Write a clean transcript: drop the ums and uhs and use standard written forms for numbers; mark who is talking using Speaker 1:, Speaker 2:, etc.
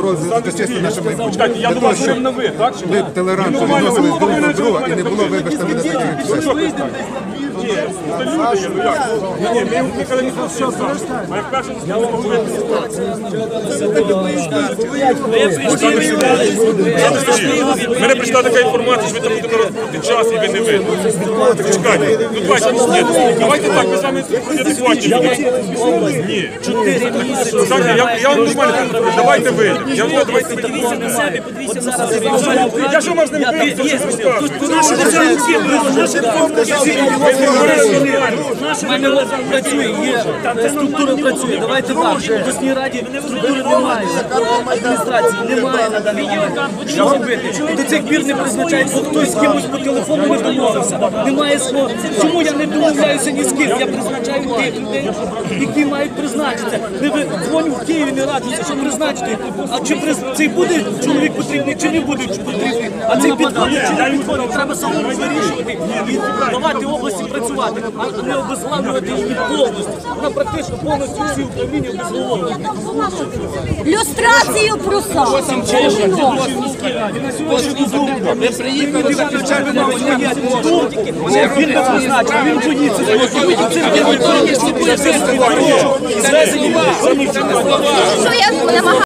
Speaker 1: захистити наше майбутнє.
Speaker 2: Чекайте, я до вас говорив на ви, так?
Speaker 1: Ви толерантно відносились друг до друга і не було, вибачте, мене таких ексцесів.
Speaker 2: Ні, це люди є, ну як? Ні, ми ніколи не просили сам. А як перше, я вам говорю, мене прийшла така інформація, що ви там будете розбути час і ви не вийдете. Чекайте, ну давайте так, ми з вами адекватні. Ні. Я вам нормально кажу, давайте вийдемо.
Speaker 3: Подивіться на себе, подивіться на себе.
Speaker 2: Я що можна не вийти?
Speaker 3: У мене працює, є структура працює. Давайте так, в обласній раді структури немає, адміністрації немає на даний момент. Що робити? До цих пір не призначають, бо хтось з кимось по телефону не домовився. Немає слова. Чому я не домовляюся ні з ким? Я призначаю тих людей, які мають призначитися. Не дзвоню в Києві, не раджуся, що призначити. А чи цей буде чоловік потрібний, чи не буде потрібний? А цей підходить, чи не підходить? Треба самому вирішувати і давати області працювати, а не обезглавлювати її повністю. Вона практично повністю всі управління обезглавлює.
Speaker 4: Люстрацію просав.
Speaker 3: Ви приїхали, він не призначив, він боїться.
Speaker 4: Що я намагаюся?